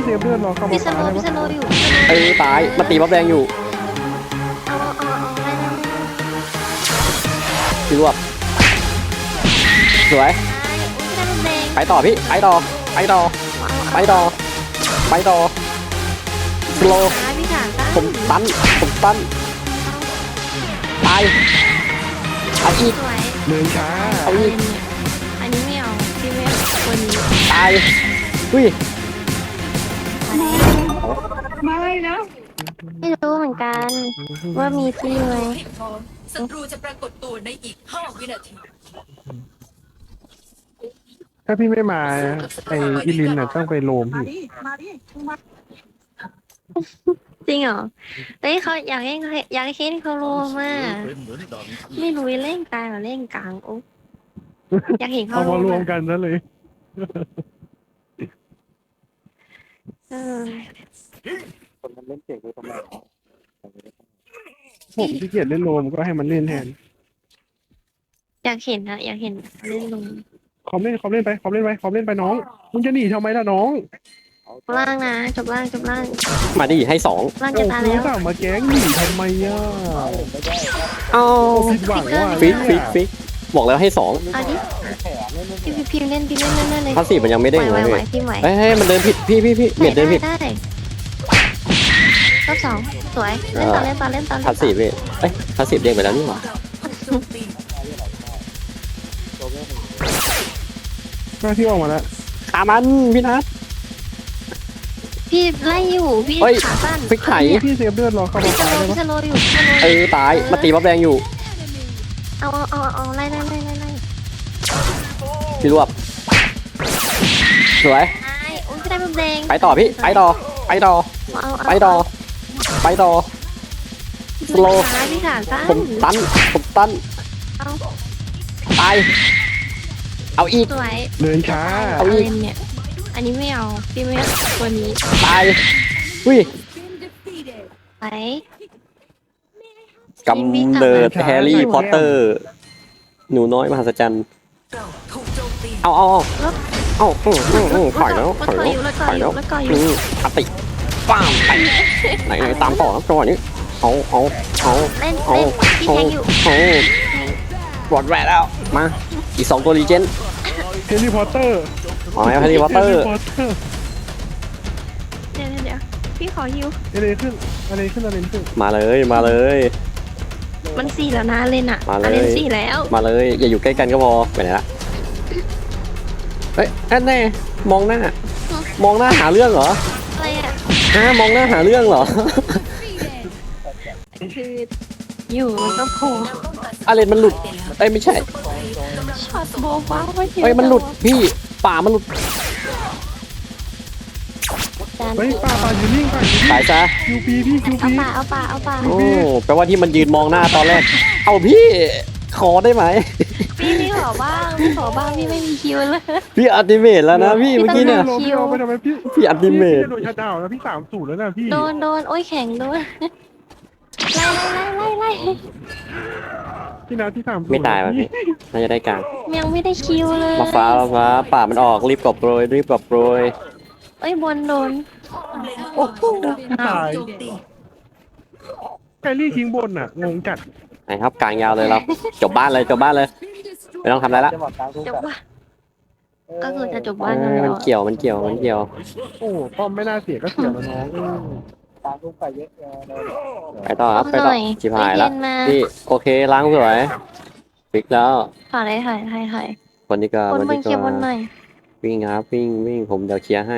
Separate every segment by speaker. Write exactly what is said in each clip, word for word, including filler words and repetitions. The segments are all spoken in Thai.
Speaker 1: เซฟเลือดรอเข้ามา
Speaker 2: พี่ส
Speaker 1: ฟ้า
Speaker 2: โล
Speaker 1: ได้
Speaker 2: พี่
Speaker 1: ปะ
Speaker 2: สโลอยู่
Speaker 3: เออตายมาตีบัฟแดงอยู่
Speaker 2: เอาเอาเอาเอาไล่ไล่ไล่
Speaker 3: พี่รวบสวย
Speaker 2: ไล่อุ้ยได้ลูกแดง
Speaker 3: ไปต่อพี่ไปต่อไปต่อ
Speaker 2: เอา
Speaker 3: ไปต่อไปต่อสโล
Speaker 2: เอาพี่ขาตั้ง
Speaker 3: ผมตันผมตันตายเอาอีก
Speaker 2: สวย
Speaker 1: เดินช้า
Speaker 3: เอาอีก
Speaker 2: อันนี้ไม่เอาพี่ไม่เอาวันนี้
Speaker 3: ตายอุ้ย
Speaker 1: ไม่นะ
Speaker 2: ไม่รู้เหมือนกันว่ามีที่ไหม
Speaker 4: ให้พร้อมศัตรูจะปรากฏตัวในอีกห้าวินาที
Speaker 1: ถ้าพี่ไม่มาไอ้อิลินน่ะต้องไปโลมพี่
Speaker 2: จริงเหรอเฮ้ยเขาอยากให้อยากให้เคนเขารู้มากไม่รู้เล่นกลางหรือเล่นกลางโอ้อยากเห็นเขา
Speaker 1: เอามารวม
Speaker 2: อะ
Speaker 1: กันซะเลย
Speaker 2: เออ
Speaker 3: คนมันเล่นเก่งเลยทำไม
Speaker 1: ผมที่เกียจเล่นโลมก็ให้มันเล่นแทน
Speaker 2: อยากเห็นนะอยากเห็นเล่นลง
Speaker 1: คอมเล่นคอมเล่นไปคอมเล่นไปคอมเล่นไปน้องมึงจะหนีทำไมล่ะน้อง
Speaker 2: จบล่างนะจบล่างจบล่าง
Speaker 3: มาดิให้สอง
Speaker 2: ล่าง
Speaker 1: โอ้
Speaker 2: จะตาย
Speaker 1: กู
Speaker 2: แล้ว
Speaker 1: สั่งมาแก๊งหนีทำไมอ่ะ
Speaker 3: เอา
Speaker 1: โอ้ผิดหวังว่ะ
Speaker 3: ฟิกฟิกฟิกบอกแล้วให้สอง
Speaker 2: เอาดิพี่พี่พิมพ์เล่นพิมพ์เล่นเล่นเล่นเลย
Speaker 3: พาสซีฟมันยังไม่
Speaker 2: ไห
Speaker 3: เด้
Speaker 2: ว
Speaker 3: ง
Speaker 2: ไหว
Speaker 3: เลย
Speaker 2: ไหว
Speaker 3: พี่
Speaker 2: พิมพ์ไหว
Speaker 3: เฮ้ยเฮ้ยมันเดินผิดพี่พี่พี่เบียดเดินผิด
Speaker 2: ได้ได้รอบสองสวยเล่นต่อเล่นต่อเล่นต่อ
Speaker 3: พาสซีฟพี่เอ้ยพาสซีฟเด้งไปแล้วนี่หว่า
Speaker 4: โจมตี
Speaker 1: หน้าที่ออกมาแล้ว
Speaker 3: ขามันพี่นัท
Speaker 2: พี่ไล่อยู่พี่
Speaker 3: เฮ้ย
Speaker 2: ขาสั้น
Speaker 3: ฟิกไถ
Speaker 1: พี่เซฟเลือดรอเข้ามา
Speaker 2: พี่ส
Speaker 1: ฟ้า
Speaker 2: โล
Speaker 1: ได้
Speaker 2: พี่
Speaker 1: ปะ
Speaker 2: สโลอยู่พี่สโล
Speaker 3: เออตายมาตีบัฟแดงอยู่
Speaker 2: เอาเอาเอาเอาไล่ไล่ไล่ไล่ไล่
Speaker 3: พี่รวบสวย
Speaker 2: ไอ้โอ้ยพี่ได้ลูกแดง
Speaker 3: ไปต่อพี่ไปต่อไปต่อ
Speaker 2: เอาเอา
Speaker 3: ไปต่อไปต่อ สโล
Speaker 2: ขาพี่ขาสั้น
Speaker 3: ผมตันผมตัน
Speaker 2: เอา
Speaker 3: ตายเอาอีก
Speaker 2: สวย
Speaker 1: เดินช้า
Speaker 3: เอา
Speaker 2: เอา
Speaker 3: อีก
Speaker 2: เล่นเนี่ยอันนี้ไม่เอาพี่ไม่เอาตัวนี้
Speaker 3: ตายอุ้ย
Speaker 2: ไป
Speaker 3: กำเนิดแฮร์รี่พอตเตอร์ หนูน้อยมหัศจรรย์
Speaker 4: เราถูกโจมตี
Speaker 3: เอาเอาเอาเอาอืมอืมอืมถอยแล้วถอยแล้วถอยแล้ว
Speaker 2: แล้วก็อ
Speaker 3: อื
Speaker 2: ยู่
Speaker 3: มอติป้ามไปไหนไหนตามต่อครับจังหวะนี้เอาเอาเอา
Speaker 2: เล่น
Speaker 3: เอา
Speaker 2: เล่นพี่
Speaker 3: เอา
Speaker 2: แทงอยู่
Speaker 3: เอาบอดแวร์แล้วมาอีกสองตัวรีเจน
Speaker 1: เฮลิพอตเตอร์
Speaker 3: เอาไหมแฮร์รี่พอตเตอร์
Speaker 1: พอตเตอร์
Speaker 2: เดี๋ยวเดี๋ยวเดี๋ยวพี่ขอฮิว
Speaker 1: อะไรขึ้นอะไรขึ้นอะไรขึ้น
Speaker 3: มาเลยมาเลย
Speaker 2: มันสี่แล้วนะเลนอ่ะ
Speaker 3: มาเลย
Speaker 2: อ่ะเลนสี่แล้ว
Speaker 3: มาเลยอย่าอยู่ใกล้กันก็พอไปไหนละเฮ้ยแอนแน่มองหน้า มองหน้าหาเรื่องเหรอ
Speaker 2: อะไรอ่ะ
Speaker 3: ฮะมองหน้าหาเรื่องเหรอ
Speaker 2: คืออยู่มันก็โผล่
Speaker 3: อะไรมันหลุดเอ้ยไม่ใช่
Speaker 2: ช็อตโบว์ว้าวไม่เห็น
Speaker 3: เอ้ยมันหลุดพี่ป่ามันหลุด
Speaker 2: จาน
Speaker 1: เฮ้ยป่าป่าอยู่นิ่งป่าอยู่นิ่ง
Speaker 3: สายซะ
Speaker 1: คิวปีพี่คิว
Speaker 2: เอา
Speaker 1: ปี
Speaker 2: ป่าเอาป่าเอาป่า
Speaker 3: โอ้แปลว่าที่มันยืนมองหน้าตอนแรก เอาพี่ขอได้ไหม
Speaker 2: พี่พี่ขอบ้างพี่ขอบ้างพี่ไม่มีคิวเลย
Speaker 3: พี่อัลติเมทแล้วนะพี่
Speaker 2: พี่
Speaker 3: เมื่อ
Speaker 2: ต้
Speaker 3: กี้
Speaker 2: อง
Speaker 3: เนี่ย
Speaker 1: ลงพี่ลงไปทำไมพี่
Speaker 3: พี่อัลติเมท
Speaker 1: พี่จะโดนชัดดาวน์แล้วพี่สามสูตรแล้วนะพี่
Speaker 2: โดนโดนโอ้ยแข็งโดนไล่ไล่ไล่ไล่ไล่
Speaker 1: พี่นาที่สามสูตร
Speaker 3: ไม่ตายว่ะพี่น่าจะได้กลาง
Speaker 2: ยังไม่ได้คิวเลย
Speaker 3: มาฟ้ามาฟ้าป่ามันออกรีบกอบโปรยรีบกอบโปรย
Speaker 2: เอ้ยบนโดน
Speaker 1: โอ้โหตาย
Speaker 4: โจมตี
Speaker 1: ไกลี่ทิ้งบนน่ะงงจัด
Speaker 3: ไหนครับกลางยาวเลยเราจบบ้านเลยจบบ้านเลยไม่ต้องทำอะไรละ
Speaker 2: จบว่ะก็คือจะจบบ้าน
Speaker 3: เอ
Speaker 2: กัน
Speaker 3: อ
Speaker 2: แล้
Speaker 3: มัน
Speaker 2: ว
Speaker 3: เกี่ยวมันเกี่ยวมันเกี่ยว
Speaker 1: โอ้ป้อมไม่น่าเสียก็เสียแล้วน้อง
Speaker 3: ไปต่อครับไปต่อชิบหายแล้ว
Speaker 2: เนมา
Speaker 3: พี่โอเคล้างสวยฟิกแล้ว
Speaker 2: ถอยเลยถอยถอยถอย
Speaker 3: คนนี้ก็
Speaker 2: บน
Speaker 3: คน
Speaker 2: บน
Speaker 3: นี้
Speaker 2: เคลียร์บ
Speaker 3: ก็
Speaker 2: นหน่อย
Speaker 3: วิ่งครับวิ่งวิ่งผมเดี๋ยวเคลียร์ให้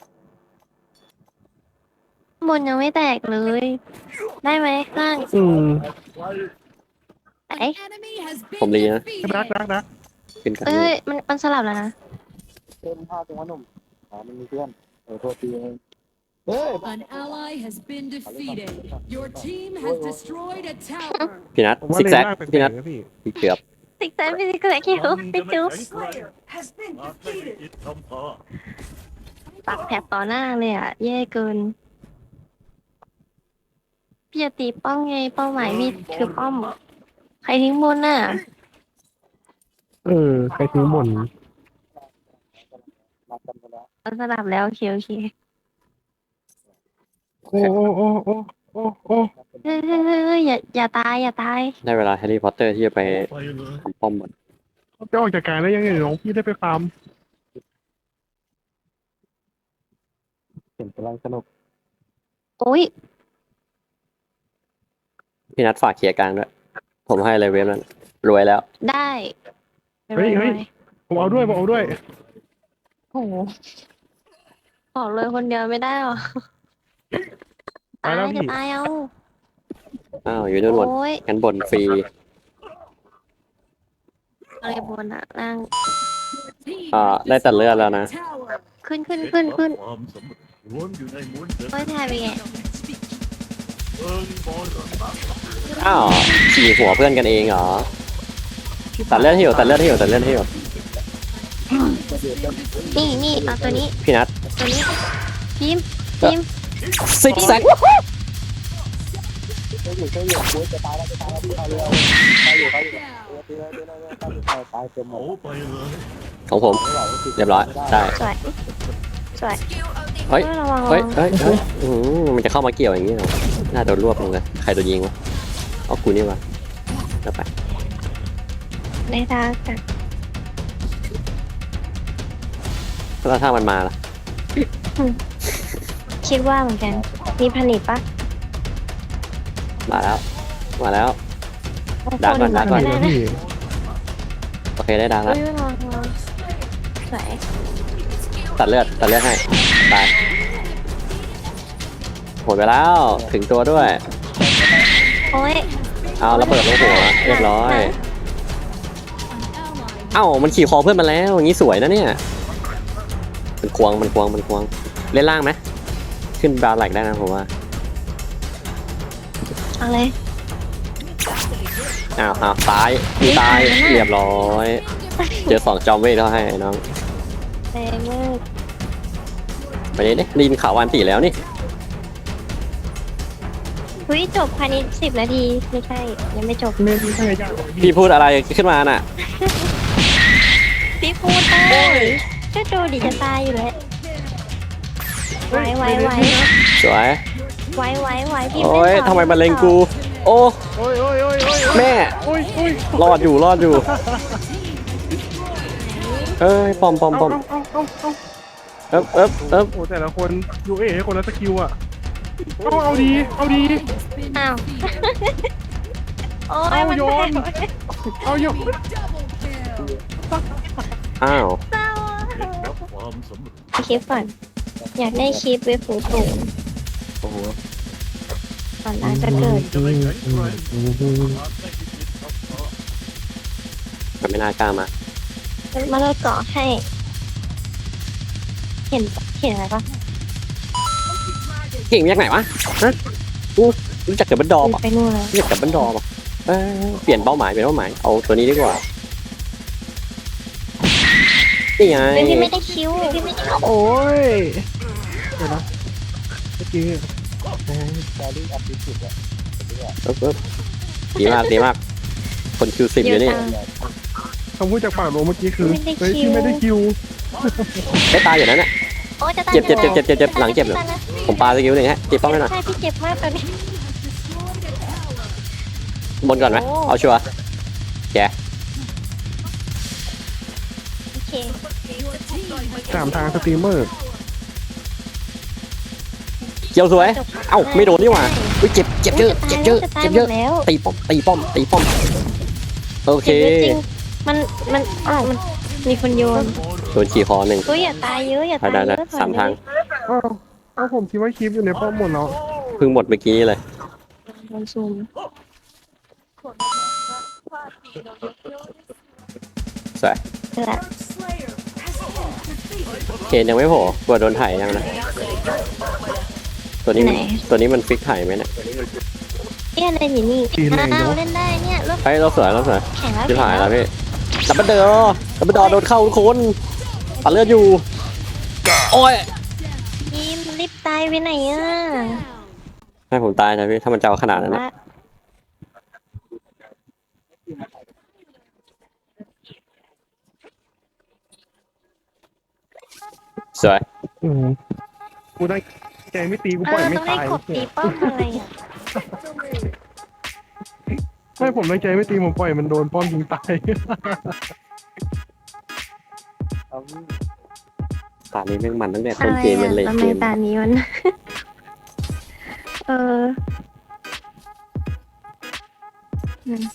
Speaker 2: บนยังไม่แตกเลย ได้ไหมล่าง
Speaker 1: อืม
Speaker 2: ไหน
Speaker 3: ผมรีนะ
Speaker 1: รักรักรัก
Speaker 3: ขึ้นกัน
Speaker 2: เอ้ยมันมันสลับแล้วนะ
Speaker 5: เต็มผ้าตรงว่าหนุ่มอ๋อมันมีเพื่อนเออโทษทีเอง
Speaker 6: An ally has been defeated. Your team has destroyed a tower.
Speaker 3: พี่นัท
Speaker 1: ผมว่า
Speaker 3: ซิก
Speaker 1: เล
Speaker 3: แซ
Speaker 1: น
Speaker 3: ก
Speaker 1: ล่างแปล
Speaker 3: พี่นั
Speaker 1: ก
Speaker 3: ท
Speaker 1: ๆนะพี่
Speaker 3: พี่เกือบ
Speaker 2: ติ๊กแซกพี่ติ๊กแซกคิวพี่จุ๊บ
Speaker 4: Slayer has been defeated
Speaker 2: ปักแถบต่อหน้าเลยอ่ะแย่เกินพี่จะตีป้อมไงเป้าหมายพี่คือป้อมใครทิ้งบนน่ะ
Speaker 1: เออใครทิ้งบน
Speaker 5: มากันไปแล้ว
Speaker 2: มันสลับแล้วโอเคโอเค
Speaker 1: โอ้โอ้โอ้โอ้โอ้โอ้
Speaker 2: เฮ้ยเฮ้ยเฮ้ยเฮ้ยอย่าอย่าตายอย่าตาย
Speaker 3: ได้เวลาแฮร์รี่พอตเตอร์ที่จะไปทำป้อมหมด
Speaker 1: จะออกจากการได้ยังไงน้องพี่ได้ไปฟาร์ม
Speaker 5: เห็นกำลังสนุก
Speaker 2: โอ้ย
Speaker 3: พี่นัดฝากเคลียร์กลางด้วย ผมให้เลยเวฟนั้นรวยแล้ว
Speaker 2: ได้
Speaker 1: เฮ้ยเฮ้ยผมเอาด้วยผมเอาด้วย
Speaker 2: โอ้โหขอเลยคนเดียวไม่ได้หรอ
Speaker 1: ไป
Speaker 2: ตาย
Speaker 1: แล้ว
Speaker 2: จะ
Speaker 1: พี่
Speaker 2: ตายเอา
Speaker 3: อ้าวอยู่นู่นหมด
Speaker 2: โอ้ย
Speaker 3: งั้นบนฟรี
Speaker 2: อะไรบนอะล่าง
Speaker 6: Team
Speaker 3: อ่า
Speaker 6: has
Speaker 3: ได้แต่เลือดแล้วนะ
Speaker 6: destroyed a tower.
Speaker 2: ขึ้นขึ้นขึ้นขึ้น
Speaker 7: ความสำเร็จล้วนอยู่ในม้วนเดิม
Speaker 2: โอ้ยทายไปไง
Speaker 7: เอิงบอล
Speaker 3: อ้าวขี่หัวเพื่อนกันเองเหรอ ตัดเลือดให้อยู่ตัดเลือดให้อยู่ตัดเลือดให้อยู่
Speaker 2: นี่นี่เอาตัวนี้
Speaker 3: พี่นัด
Speaker 2: ตัวนี้พิมพ์พิมพ์
Speaker 3: ซิกแซก
Speaker 5: ช่วยอยู่ช่วยอยู่กูจะตายแล้วจะตายแล้วพี่เอาเร็วตายอยู่ตายอยู่เออตีเลยตีเลยตายตายตายเต็มหม
Speaker 7: เอา
Speaker 5: ด
Speaker 7: ไปเลย
Speaker 3: ของผม
Speaker 5: ไม่ไหวก็ติด
Speaker 3: เรียบร้อย ได้
Speaker 2: สวยสวย
Speaker 4: สกิลอัลติ
Speaker 3: เฮ้ย
Speaker 2: เฮ้ยระวังระ
Speaker 3: เฮ้ย
Speaker 2: วัง
Speaker 3: เฮ้ยเฮ้ยอื้อหือมันจะเข้ามาเกี่ยวอย่างนี้เหรอน่าโดนรวบลงเลย ใครโดนยิงวะเอากูนี่วะแล้วไป
Speaker 2: ในทางกัน
Speaker 3: แล้วถ้ามันมาล่ะ
Speaker 2: คิดว่าเหมือนกัน มีผลิตปะ
Speaker 3: มาแล้ว มาแล้ว
Speaker 2: โอ้โห
Speaker 3: ดักก่อนดักก่อน
Speaker 2: ได้
Speaker 1: นะ
Speaker 2: นะ
Speaker 1: พี่
Speaker 3: โอเคได้ดัง
Speaker 2: อุ้
Speaker 3: แล้ว
Speaker 2: ยระวังระวังสวย
Speaker 3: ตัดเลือด ตัดเลือดให้ ตายหมดไปแล้ว ถึงตัวด้วย
Speaker 2: โอ้ย
Speaker 3: เอาระเบิดลงหัว เรียบร้อย
Speaker 2: ไหน
Speaker 3: เอ้า มันขี่คอเพื่อนมาแล้ว อย่างนี้สวยนะเนี่ย มันควง มันควง มันควง เล่นล่างไหม ขึ้นบราวน์แหลกได้นะผมว่า
Speaker 2: เอาเลย
Speaker 3: อ้าวอ้าวตายมีตาย เรียบร้อย เจอสองจอมเวทเขาให้น้อง
Speaker 2: แรงมาก
Speaker 3: ไปนี่นี่รีนข่าววันตีแล้วนี่
Speaker 2: เฮ้ยจบภายในสิบนาที ไม่ใช่ ยังไม่จบ
Speaker 1: ไม่ไม่ใช่ยาก
Speaker 3: พี่พูดอะไรขึ้นมาน่ะ
Speaker 2: พี่พูดเลยก็ดูดิจะตายอยู่แล้วไหวไหวไหว
Speaker 3: สวย
Speaker 2: ไหวไหวไหวพี่
Speaker 3: โอ้ย
Speaker 2: ต่อ
Speaker 3: ทำไมมาเลงกู โอ้
Speaker 1: โอ้ยโอ้ยโอ้ยโอ้ย
Speaker 3: แม่
Speaker 1: โอ้ยโอ้ย
Speaker 3: รอดอยู่ รอดอยู่ เอ้ย ปอมปอมปอม
Speaker 1: เอาเอาเอาเอา
Speaker 3: เอ๊บเอ๊บเอ๊บ
Speaker 1: โอ้แต่ละคนยูเอคนละสกิลอ่ะเอาเอาดีเอาดี
Speaker 2: อ้าว โอ้
Speaker 1: เอา
Speaker 2: ยมัน
Speaker 1: โยน เอาโยน
Speaker 3: อ้าว
Speaker 2: เศร้า
Speaker 7: รับความสำเร็จ
Speaker 2: อะคลิปก่อน อยากได้คลิปเว็บสูงสูง
Speaker 3: โอ้โห
Speaker 2: ก่อนล้างจะเกิด
Speaker 7: จะไม่แข็งแรงหากไม่มีจิตทับท้อ
Speaker 3: มันไม่น่ากล้ามา
Speaker 2: มาเลยเกาะให้ เห็นเห็นอะไรปะ
Speaker 3: เก่งมาจากไหนวะฮะกูรู้จักกับบันดอมอ่ะ
Speaker 2: ไปนู่นแล้ว
Speaker 3: รู้จักกับบันดอมอ่ะเอ้ยเปลี่ยนเป้าหมายเปลี่ยนเป้าหมาย เอาตัวนี้ดีกว่า นี่ไง
Speaker 2: เฮ้ยพี่ไม่ได้คิวพี่ไม่ได้คิว
Speaker 1: โอ้ยเดี๋ยวนะเมื่อกี้
Speaker 5: แกรี่อัพดิจิตอ่ะ
Speaker 3: เอ๊บเอ๊บดีมากดีมาก คนคิวสิบอยู่นี่
Speaker 2: จัง
Speaker 1: คำพูดจากปากโรเมื่อกี้คือเฮ้ยพี่ไม่ได้คิว
Speaker 3: ได้ตายอยู่นั้นน่ะ
Speaker 2: โอ้จะตาย
Speaker 3: เจ็บเจ็บเจ็บเจ็บเจ็บเจ็บหลังเจ็บเลย ผมปาสกิลหนึ่งฮะตีป้อมให้หน่อย
Speaker 2: ใช่พี่เจ็บมากตอนนี้
Speaker 3: บนก่อนไหม
Speaker 2: โอ้
Speaker 3: เอาชัวร์แก
Speaker 2: โอเค
Speaker 1: สามทางสตรีมเมอร์
Speaker 3: เกี่ยวสวย เอ้าไม่โดนนี่หว่าอุ้ยเจ็บเจ็บเยอะเจ็บเยอะ
Speaker 2: จะตาย
Speaker 3: เจ็บ
Speaker 2: ห
Speaker 3: เย
Speaker 2: ม
Speaker 3: อะ
Speaker 2: ดแล้ว
Speaker 3: ตีป้อมตีป้อมตีป้อมโอเค
Speaker 2: เจ็บเยอะจริงมันมันอ้าวมันมีคนโยน
Speaker 3: โดนขี่คอหนึ่ง
Speaker 2: เฮ้ยอย่าตายเยอะอย่า
Speaker 3: ได้
Speaker 2: ตาย
Speaker 3: ได้
Speaker 2: เย
Speaker 3: ได้
Speaker 2: อะ
Speaker 3: สามทาง
Speaker 1: อ้าวเอาผมคิดว่าคลิปอยู่ในป้อมหมดแล้ว
Speaker 3: เพิ่งหมดเมื่อกี้เลย
Speaker 2: โดนซูม
Speaker 3: สวย
Speaker 2: เจอละ
Speaker 3: เคนยังไม่โผล่กลัวโดนถ่ายยังนะ ตัวนี้มันตัวนี้มันฟิกถ่ายไหมเนี่ย
Speaker 2: เนี่ยอะไรอยู่นี่อ้าวเล่นได้เนี่ยเริ่ม
Speaker 3: เฮ้ยเราสวยเราสวย
Speaker 2: แข่งแล้ว
Speaker 3: จะ
Speaker 2: แข่
Speaker 3: ถ่าย
Speaker 2: ง
Speaker 3: แล้วพี่ดับเบิลเดอร์ดับเบิลดอโดนเข้าทุกคนปัดเลือดอยู่ โอ้ย
Speaker 2: ทีมรีบตายไปไหนอ่ะ
Speaker 3: ให้ผมตายนะพี่ ถ้ามันจะเอาขนาดนั้นนะ
Speaker 2: ว่า
Speaker 3: สวย
Speaker 1: อืมกูได้ใจไม่ตีกู
Speaker 2: เอ
Speaker 1: ปล่อย
Speaker 2: อ
Speaker 1: ไม่
Speaker 2: ต้องให้
Speaker 1: ตาย
Speaker 2: กบตีป้อมอะไรอ่ะ
Speaker 1: ไม่ผมตั้งใจไม่ตีผมปล่อยมันโดนป้อมยิงตาย
Speaker 5: เอา
Speaker 3: ตานี้แม่งมันตั้งแต่
Speaker 2: อะ
Speaker 3: ต้น
Speaker 2: ไร
Speaker 3: เกมยั
Speaker 2: อ่ะ
Speaker 3: นเลท
Speaker 2: ทำไม
Speaker 3: เกม
Speaker 2: ตานี้มัน เอออืม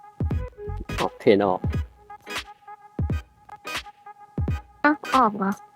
Speaker 3: ออกเทรนออก
Speaker 2: เอ้าออกเหรอ